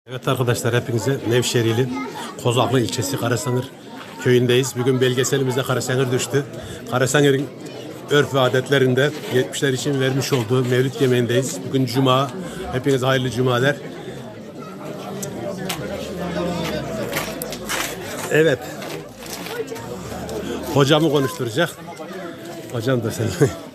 Evet arkadaşlar, hepinize Nevşehirli Kozaklı ilçesi Karasanır köyündeyiz. Bugün belgeselimizde Karasanır düştü. Karasanır'ın örf ve adetlerinde 70'ler için vermiş olduğu mevlüt yemeğindeyiz. Bugün Cuma. Hepinize hayırlı cumalar. Evet. Hocamı konuşturacak. Hocam da sen.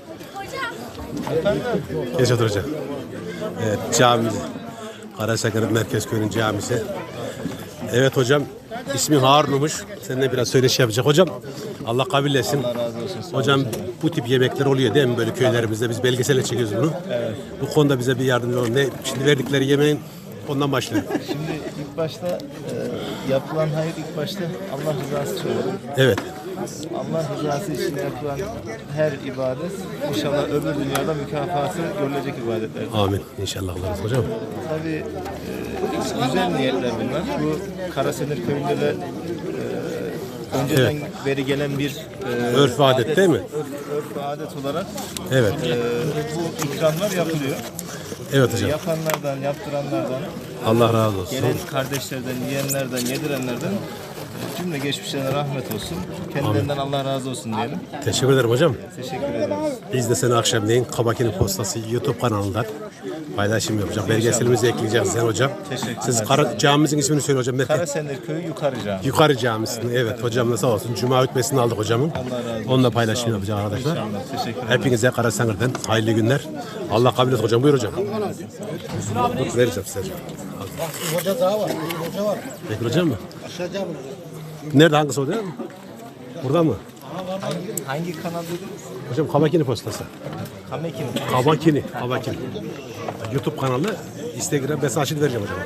Geç otur hocam. Evet, camimiz. Karasanır Merkez Köyü'nün camisi. Evet hocam, ismin Harun'muş. Seninle biraz söyleşi yapacak. Hocam, Allah kabul etsin. Allah razı olsun. Hocam, bu tip yemekler oluyor değil mi böyle köylerimizde? Biz belgeselle çekiyoruz bunu. Evet. Bu konuda bize bir yardımcı olun. Şimdi verdikleri yemeğin ondan başlayalım. Şimdi ilk başta yapılan hayır ilk başta Allah rızası söyledim. Evet. Allah rızası için yapılan her ibadet inşallah öbür dünyada mükafatı görülecek ibadetler. Amin. İnşallah oluruz hocam. Tabii güzel niyetler bunlar. Bu Karasenir köyünde de önceden beri gelen bir Örf ve adet değil mi? Örf ve adet olarak Evet. bu ikramlar yapılıyor. Evet hocam. Yapanlardan, yaptıranlardan, Allah razı olsun. gelen kardeşlerden, yiyenlerden, yedirenlerden cümle geçmişlerine rahmet olsun. Kendilerinden Allah razı olsun diyelim. Teşekkür ederim hocam. Teşekkür ederiz. Biz de seni akşamleyin Kabakini Postası YouTube kanalından paylaşım yapacağız. Belgeselimizi ekleyeceğiz sen hocam. Teşekkürler. Siz camimizin ismini söyle hocam. Karasenir Köyü Yukarı Cami. Yukarı Camisi'nin. Evet hocam da sağ olsun. Cuma hutbesini aldık hocamın. Allah razı olsun. Onunla paylaşım yapacağız arkadaşlar. İnşallah. Teşekkür ederim. Hepinize Karasanır'dan hayırlı günler. Allah kabul etsin hocam. Buyur hocam. Dur, vereceğim size hocam. Hoca daha var. Hoca var. Bekir hocam mı? Aşağıda mı? Nerede, hangisi hocam? Burada mı? Hangi kanal dediniz? Hocam Kabakini Postası. Kamekin. Kabakini. YouTube kanalı, Instagram mesajını vereceğim hocam.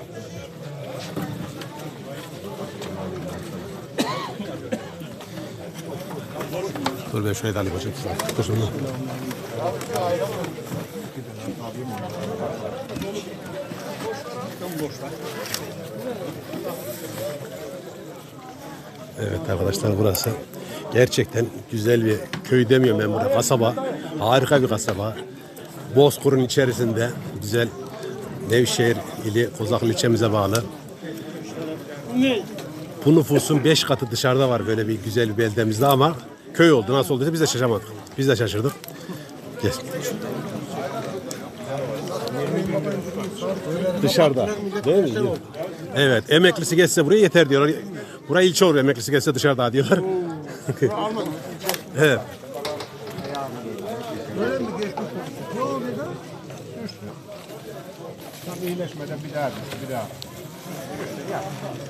Dur ben şöyle de alayım hocam. Dur şunu. Evet arkadaşlar, burası gerçekten güzel bir köy demiyorum ben burada. Kasaba. Harika bir kasaba. Bozkır'ın içerisinde güzel Nevşehir ili Kozaklı ilçemize bağlı. Bu nüfusun 5 katı dışarıda var böyle bir güzel bir beldemizde ama köy oldu. Nasıl olduysa biz de şaşamadık. Biz de şaşırdık. Gel. Dışarıda. Değil mi? Evet. Emeklisi geçse buraya yeter diyorlar. Buraya ilçe olur. Emeklisi geçse dışarıda diyorlar. Evet. Böyle mi geçmiş olsun? Yok dedi. Tam iyileşmeden bir daha.